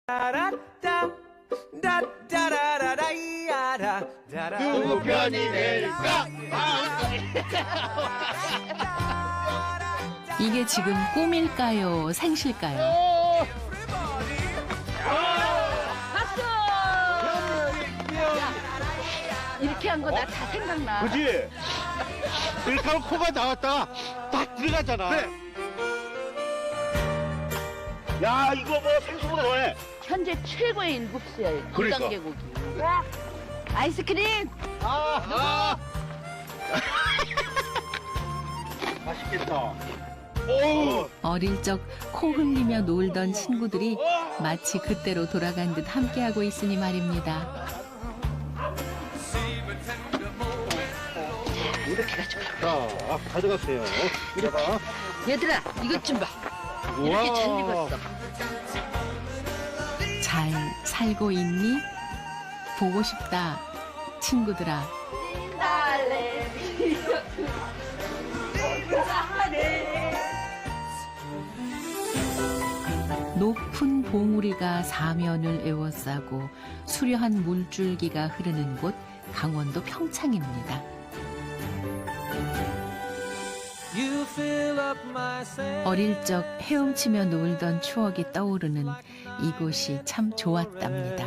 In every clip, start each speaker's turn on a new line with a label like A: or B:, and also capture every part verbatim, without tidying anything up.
A: 누구 편이 될까?
B: 이게 지금 꿈일까요? 생실까요?
C: 박수! 이렇게 한 거 나 다 생각나.
A: 그지? 이렇게 하면 코가 나왔다가 딱 들어가잖아. 그래. 야, 이거 뭐 생수보다 더해.
C: 현재 최고의 인국수야.
A: 그러니까.
C: 금강계곡이. 아이스크림!
A: 아, 아. 맛있겠다. 오.
B: 어릴 적 코 흘리며 놀던 친구들이 마치 그때로 돌아간 듯 함께하고 있으니 말입니다.
C: 이렇게 가져가.
A: 자, 가져가세요. 이래봐.
C: 얘들아, 이것 좀 봐. 이렇게 잘 익었어.
B: 잘 살고 있니? 보고 싶다, 친구들아. 높은 봉우리가 사면을 에워싸고 수려한 물줄기가 흐르는 곳 강원도 평창입니다. 어릴 적 헤엄치며 놀던 추억이 떠오르는 이곳이 참 좋았답니다.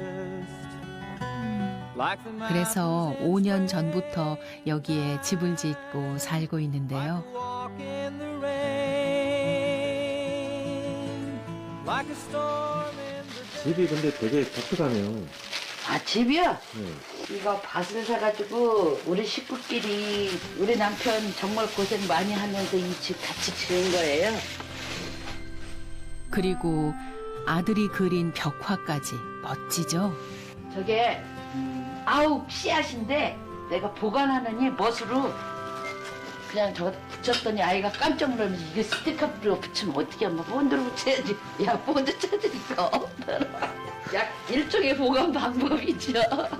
B: 그래서 오 년 전부터 여기에 집을 짓고 살고 있는데요.
D: 집이 근데 되게 독특하네요.
C: 아, 집이요?
D: 네.
C: 이거 밭을 사가지고 우리 식구끼리 우리 남편 정말 고생 많이 하면서 이 집 같이 지은 거예요.
B: 그리고 아들이 그린 벽화까지 멋지죠?
C: 저게 아홉 씨앗인데 내가 보관하느니 멋으로 그냥 저거 붙였더니 아이가 깜짝 놀라면서 이게 스티커로 붙이면 어떻게 하면 본드로 붙여야지. 야, 본드 찾으니까 없더라. 약 일종의 보관 방법이죠.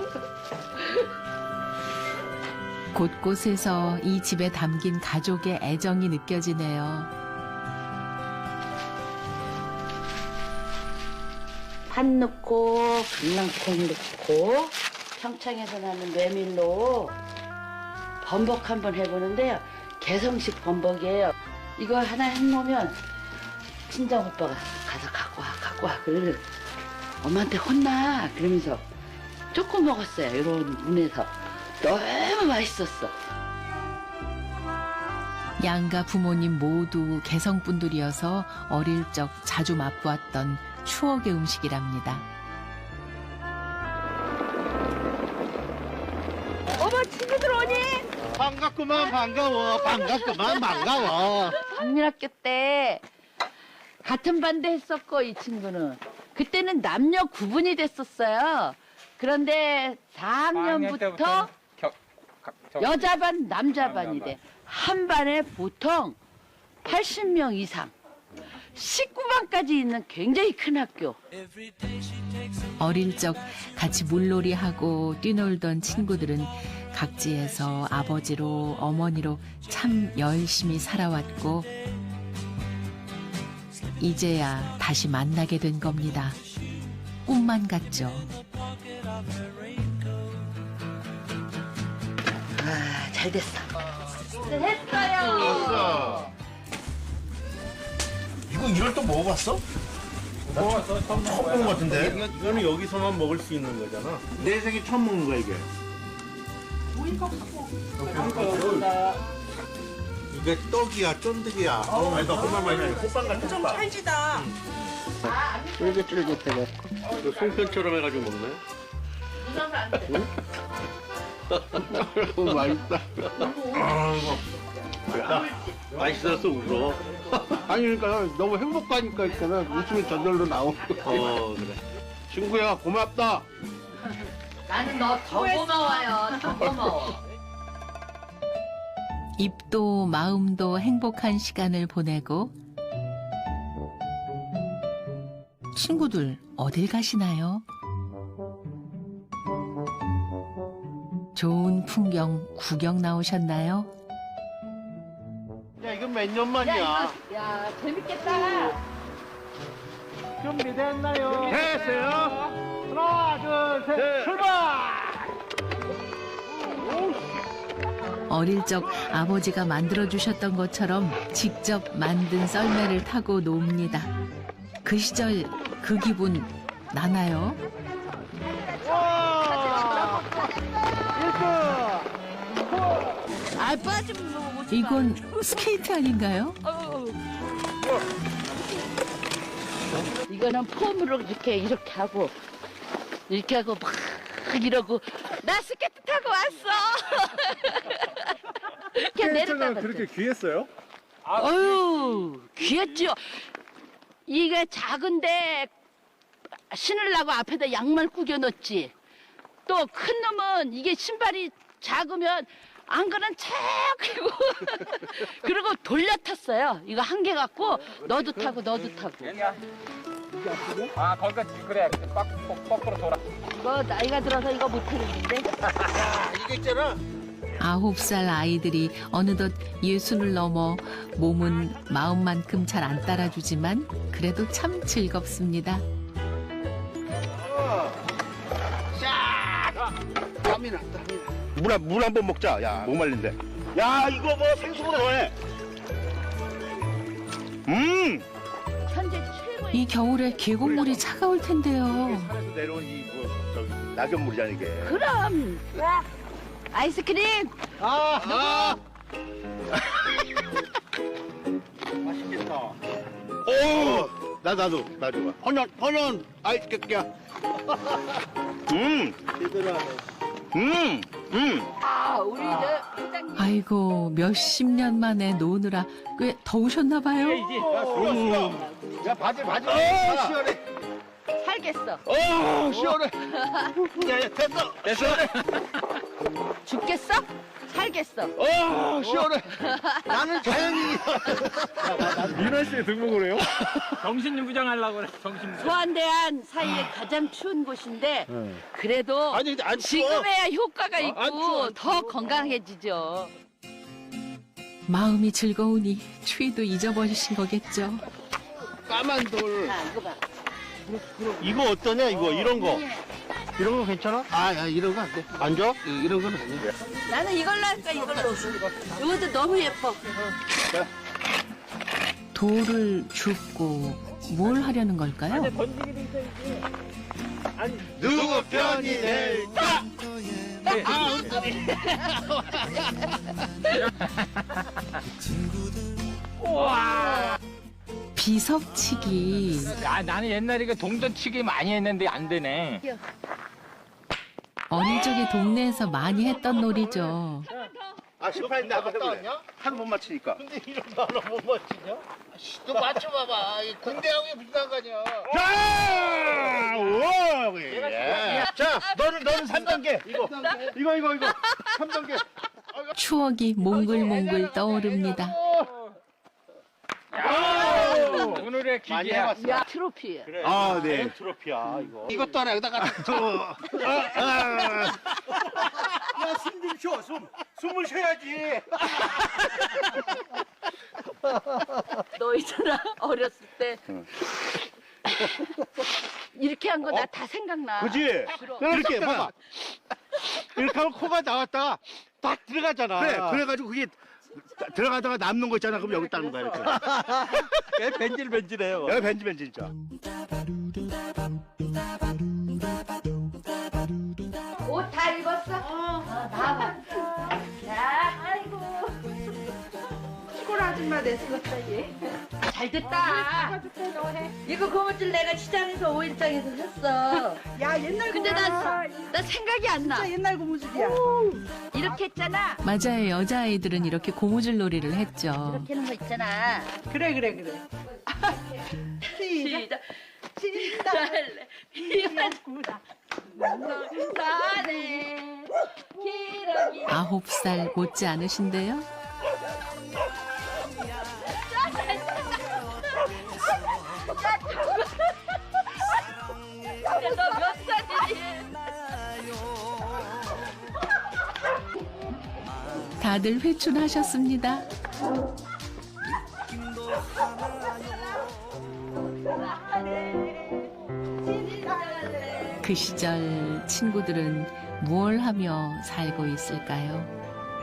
B: 곳곳에서 이 집에 담긴 가족의 애정이 느껴지네요.
C: 판 넣고 강낭콩 넣고 평창에서 나는 메밀로 범벅 한번 해보는데요. 개성식 범벅이에요. 이거 하나 해놓으면 친정 오빠가 가서 갖고 와 갖고 와 그래. 엄마한테 혼나 그러면서 조금 먹었어요. 이런 눈에서 너무 맛있었어.
B: 양가 부모님 모두 개성분들이어서 어릴 적 자주 맛보았던 추억의 음식이랍니다.
C: 어머, 친구들 오니?
A: 반갑구만, 반가워. 반갑구만, 반가워.
C: 국민학교 때 같은 반대 했었고 이 친구는 그때는 남녀 구분이 됐었어요. 그런데 사 학년부터 여자 반, 남자 반이 돼. 한 반에 보통 팔십 명 이상. 십구 반까지 있는 굉장히 큰 학교.
B: 어릴 적 같이 물놀이하고 뛰놀던 친구들은 각지에서 아버지로 어머니로 참 열심히 살아왔고 이제야 다시 만나게 된 겁니다. 꿈만 같죠.
C: 아, 잘 됐어. 했어요.
A: 이거 이걸 또 먹어봤어?
D: 먹어봤어? 처음
A: 처음 먹은 것 같은데?
D: 이거는 여기서만 먹을 수 있는 거잖아.
A: 내 생에 처음 먹는 거야, 이게.
D: 이게 떡이야, 쫀득이야. 어, 아니, 나 정말 맛있네. 호빵 같은
E: 좀
D: 호빵.
E: 찰지다.
C: 쫄깃쫄깃해갖고.
D: 이거 송편처럼 해가지고 먹네.
C: 이건 안 돼.
D: 너무 맛있다. 아, 이거. 맛있어서 울어. 아니, 그러니까 너무 행복하니까 있잖아. 웃음이 저절로 나오고. 어, 그래. 친구야, 고맙다.
C: 나는 너 더 고마워요. 더 고마워.
B: 입도 마음도 행복한 시간을 보내고 친구들 어딜 가시나요? 좋은 풍경 구경 나오셨나요?
D: 야, 이건 몇 년 만이야?
C: 야, 이거, 야, 재밌겠다.
A: 준비됐나요?
D: 됐어요.
A: 하나, 둘, 셋, 출발!
B: 어릴 적 아버지가 만들어주셨던 것처럼 직접 만든 썰매를 타고 놉니다. 그 시절 그 기분 나나요?
A: 와!
C: 아 빠지면 너무 못
B: 이건 스케이트 아닌가요?
C: 이거는 폼으로 이렇게 이렇게 하고 이렇게 하고 막 이러고 나 스케이트 타고 왔어. 이렇게 내렸다
A: 그렇게 귀했어요?
C: 어유 귀했죠. 이게 작은데 신으려고 앞에다 양말 구겨 넣었지. 또 큰 놈은 이게 신발이 작으면 안그는 척 하고 그리고 돌려 탔어요. 이거 한 개 갖고 너도 타고 너도 타고.
E: 아, 거기가 그래. 빡, 빡, 거꾸로 돌아.
C: 이거 나이가 들어서 이거 못 하겠는데.
D: 이거 있잖아.
B: 아홉 살 아이들이 어느덧 예순을 넘어 몸은 마음만큼 잘 안 따라주지만 그래도 참 즐겁습니다.
D: 땀이 나, 땀이 나. 물, 한- 물 한 번 먹자. 야, 목 말린데. 야, 이거 뭐 생수보다 더해. 음!
C: 현재 최고의
B: 이 겨울에 계곡물이 차가울 텐데요.
D: 산에서 내려온 이, 뭐, 저기, 낙엽물이잖아, 이게.
C: 그럼 아이스크림
A: 아, 아!
D: 맛있겠다. 오! 나, 나도, 나 좋아. 헌현, 헌현, 아이스 깨끼야. 음! 음! 음!
C: 아 우리 저 회장님
B: 아이고 몇십 년 만에 노느라 꽤 더우셨나 봐요.
A: 야, 좋았어. 야, 바지, 바지.
D: 어, 시원해.
C: 살겠어.
D: 어, 시원해. 야, 야, 됐어. 됐어.
C: 죽겠어? 살겠어.
D: 어, 시원해. 나는 자연이.
A: 윤아 씨 등록을 해요?
E: 정신유구장 하려고 그래. 정신.
C: 소환대한 사이에 가장 추운 곳인데 그래도
D: 아니, 근데 안 추워.
C: 지금에야 효과가
D: 안
C: 있고
D: 추워, 안
C: 더 건강해지죠.
B: 마음이 즐거우니 추위도 잊어버리신 거겠죠.
D: 까만 돌.
C: 자 이거 봐.
D: 이거 어떠냐, 이거, 이런 거.
A: 이런 거 괜찮아?
D: 아, 야, 이런 거 안 돼. 안 줘? 이- 이런 건 아니야.
C: 나는 이걸로 할까 이걸로. 이것도 너무 예뻐.
B: 돌을 줍고 뭘 하려는 걸까요?
D: 누구 편이 될까?
B: 비석치기.
E: 야, 나는 옛날에 그 동전치기 많이 했는데 안 되네.
B: 어릴 적에 동네에서 많이 했던 놀이죠.
D: 아, 십팔인데 아까 해볼래. 하루 못 맞히니까.
A: 근데 이런 거 하나 못 맞히냐?
D: 너 맞춰봐봐. 군대하고 무슨 상관이야. 자! 오! 예. 자, 너는, 너는 삼 단계. 이거. 이거, 이거, 이거. 삼 단계.
B: 추억이 몽글몽글 떠오릅니다.
E: 오늘의
D: 많이
E: 기계야.
D: 해봤어.
C: 야 트로피.
A: 그래.
D: 아, 네.
A: 트로피야, 이거.
D: 이것도 하나 여기다가 또. 아, 아.
A: 야, 숨 좀 쉬어, 숨. 숨을 쉬어야지.
C: 너 있잖아 어렸을 때 이렇게 한 거 나 다 생각나.
A: 그지? 이렇게 봐봐. 이렇게 하면 코가 나왔다가 딱 들어가잖아.
D: 그래, 그래가지고 그게 들어가다가 남는 거 있잖아. 그럼 여기 따는 거야, 이렇게.
A: 얘 벤질벤질해요.
D: 여기 벤지벤지 진짜.
C: 옷 다 입었어? 어. 나와. 자, 아이고. 시골 아줌마 됐었다 얘. 잘 됐다. 이거 고무줄 내가 시장에서 오일장에서 샀어.
F: 야 옛날
C: 근데 나, 나 생각이 안 나.
F: 진짜 옛날 고무줄이야.
C: 이렇게 했잖아.
B: 맞아요. 여자아이들은 이렇게 고무줄 놀이를 했죠.
C: 이렇게 하는 거 있잖아.
F: 그래 그래 그래. 시작.
C: 시작. 시달래. 이만구다. 사네. 기러기.
B: 아홉 살 못지 않으신데요?
C: 근데 너 몇 살이니?
B: 다들 회춘하셨습니다.
C: 사네.
B: 그 시절 친구들은 무얼 하며 살고 있을까요?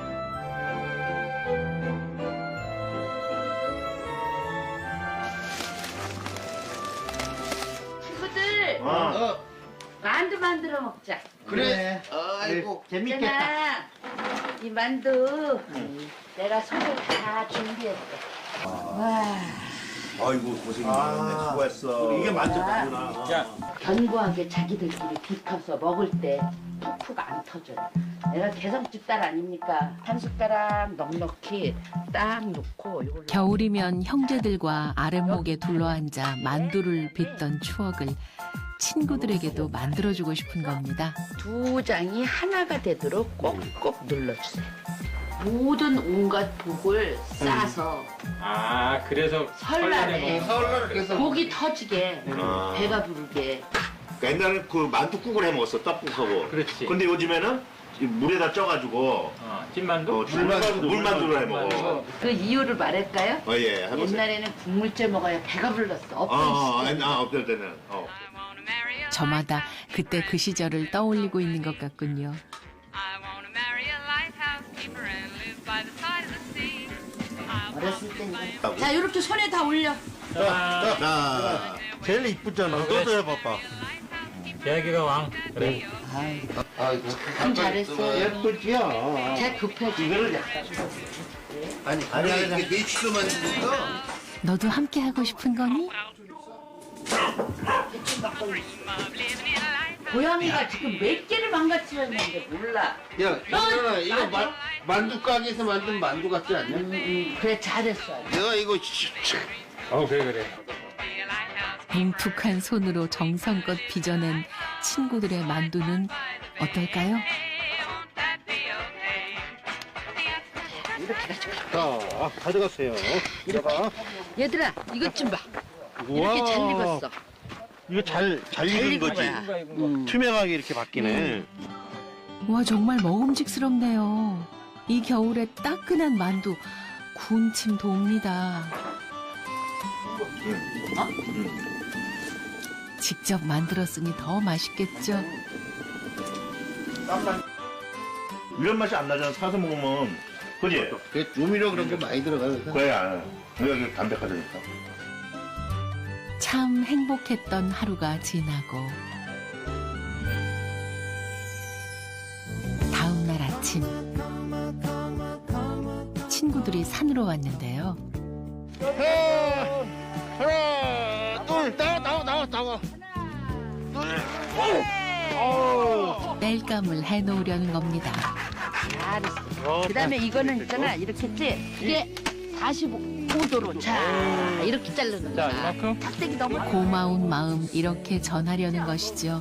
C: 친구들
A: 어.
C: 만두 만들어 먹자.
D: 그래. 아이고.
A: 재밌겠다.
C: 있잖아, 이 만두 내가 손을 다 준비했어. 와,
G: 아이고 고생이 많았네. 수고했어.
A: 이게 만족하구나.
E: 야,
C: 견고하게 자기들끼리 비켜서 먹을 때 푹푹 안 터져요. 내가 개성집 딸 아닙니까? 한 숟가락 넉넉히 딱 놓고 이걸로
B: 겨울이면 형제들과 아랫목에 둘러앉아 만두를 빚던 추억을 친구들에게도 만들어주고 싶은 겁니다.
C: 두 장이 하나가 되도록 꼭꼭 눌러주세요. 모든 온갖 복을 싸서
E: 아 그래서
C: 설날에
D: 서울날 그래서
C: 고기 터지게
G: 아.
C: 배가 부르게.
G: 옛날에 그 만두국을 해 먹었어. 떡국하고.
E: 그렇지.
G: 근데 요즘에는 이 물에다 쪄가지고
E: 어, 찐만두?
G: 어, 물만두, 물만두를 해 먹어.
C: 그 이유를 말할까요?
G: 어, 예, 해보세요.
C: 옛날에는 국물째 먹어야 배가 불렀어.
G: 어,
C: 엎드리
G: 어,
C: 시절.
G: 아, 없을 때는. 어.
B: 저마다 그때 그 시절을 떠올리고 있는 것 같군요.
H: I want to marry a lighthouse keeper and live by the side of the sea. I want
C: 어렸을 때는. 자, 이렇게 손에 다 올려.
E: 자,
G: 자,
A: 제일 이쁘잖아. 너도 해봐봐.
E: 대기가 왕. 그래.
D: 아이고.
C: 참 잘했어.
A: 예쁘지요?
C: 제 급해지.
A: 이거를
D: 아니, 아니, 이게 메추도 만드니까.
B: 너도 함께 하고 싶은 거니?
C: 고양이가 지금 몇 개를 망가뜨렸는데 몰라.
D: 야, 이거는 이거 만, 만두 가게에서 만든 만두 같지 않냐?
C: 음, 음, 그래 잘했어.
D: 내가 이거
E: 어 그래 그래.
B: 뭉툭한 손으로 정성껏 빚어낸 친구들의 만두는 어떨까요?
A: 자, 가져가세요. 이거가.
C: 얘들아, 이것 좀 봐. 이렇게 잘
A: 우와.
C: 익었어.
A: 이거 잘, 잘
C: 잘
A: 익은
C: 익은
A: 거지.
C: 거야.
E: 음.
A: 투명하게 이렇게 바뀌네.
B: 와 정말 먹음직스럽네요. 이 겨울에 따끈한 만두 군침 돕니다. 직접 만들었으니 더 맛있겠죠.
G: 이런 맛이 안 나잖아. 사서 먹으면. 그지?
D: 그 조미료 그런 거 많이 들어가서.
G: 그래, 안 해. 여기 담백하다니까.
B: 참 행복했던 하루가 지나고 다음 날 아침 친구들이 산으로 왔는데요.
A: 하나, 둘, 나와, 나와, 나와, 나와.
B: 땔감을 해놓으려는 겁니다.
C: 잘했어. 그다음에 이거는 있잖아. 이렇게 했지. 이게 사십오 도로 자 이렇게 자르는
E: 자
C: 거야.
E: 이만큼.
C: 탁대기 너무
B: 고마운 마음 이렇게 전하려는 것이죠.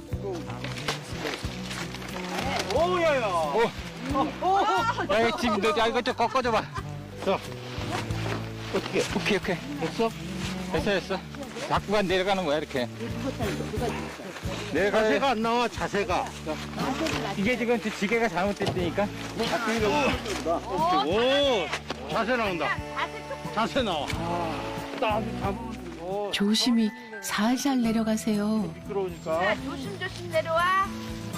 A: 오야야.
E: 야 지금 너야 이거 좀 꺾어줘봐.
A: 어떻게?
E: 오케이 오케이.
A: 됐어?
E: 됐어 됐어. 자꾸만 내려가는 거야 이렇게. 내려가.
A: 자세가 안 나와, 자세가.
E: 이게 지금 지게가 잘못됐다니까.
A: 오, 자세 나온다. 자세 나와. 땀, 땀. 오,
B: 조심히 살살 내려가세요.
A: 미끄러우니까.
C: 조심조심 내려와.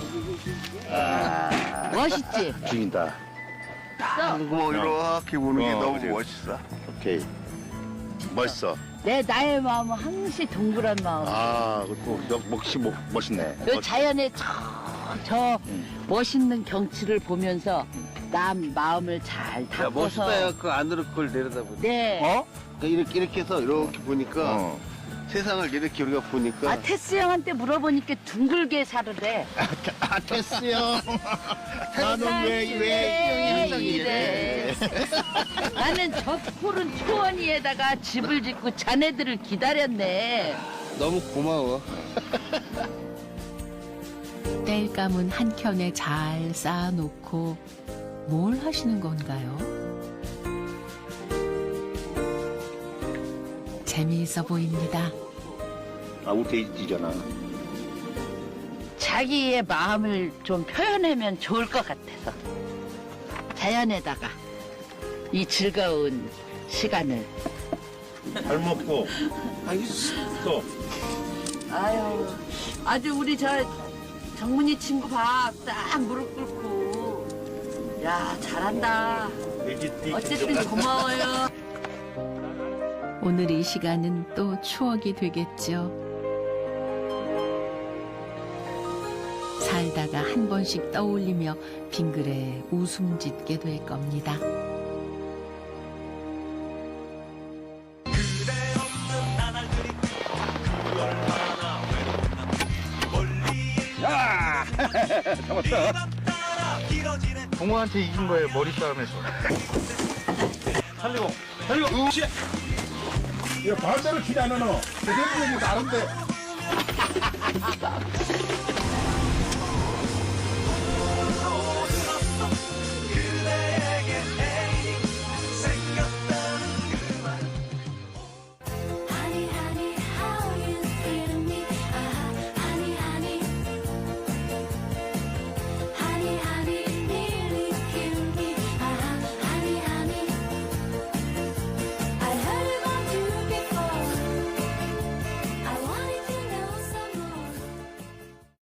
C: 멋있지?
G: 죽인다.
D: 뭐 이렇게 보는 게
G: 어,
D: 너무
G: 그치.
D: 멋있어.
G: 오케이. 멋있어.
C: 내 나의 마음은 항시 동그란 마음.
G: 아, 그리고 역시 멋- 멋있네.
C: 그 자연의 저, 저 멋있는 경치를 보면서 남 마음을 잘
D: 야,
C: 닦아서.
D: 멋있다. 야, 그 안으로 그걸 내려다보니.
C: 네.
D: 어? 이렇게 이렇게 해서 이렇게 보니까
G: 어.
D: 세상을 이렇게 우리가 보니까.
C: 아 테스 형한테 물어보니까 둥글게 살으래.
D: 아, 됐어요. 나는 왜, 왜 항상 이래.
C: 나는 저 푸른 초원 위에다가 집을 짓고 자네들을 기다렸네.
D: 너무 고마워.
B: 땔감은 한 켠에 잘 쌓아놓고 뭘 하시는 건가요? 재미있어 보입니다.
G: 아무 데이지잖아.
C: 자기의 마음을 좀 표현하면 좋을 것 같아서 자연에다가 이 즐거운 시간을.
G: 잘 먹고 또
C: 아유 아주 우리 저 정문이 친구 봐. 딱 무릎 꿇고. 야, 잘한다. 어쨌든 고마워요.
B: 오늘 이 시간은 또 추억이 되겠죠. 살다가 한 번씩 떠올리며 빙그레 웃음 짓게 될 겁니다.
A: 동호한테 이긴 거예요, 머리 싸움에서. 살리고, 살리고, 으쌰!
G: 야, 발자를 기대 안 하노. 대대문이 나른데.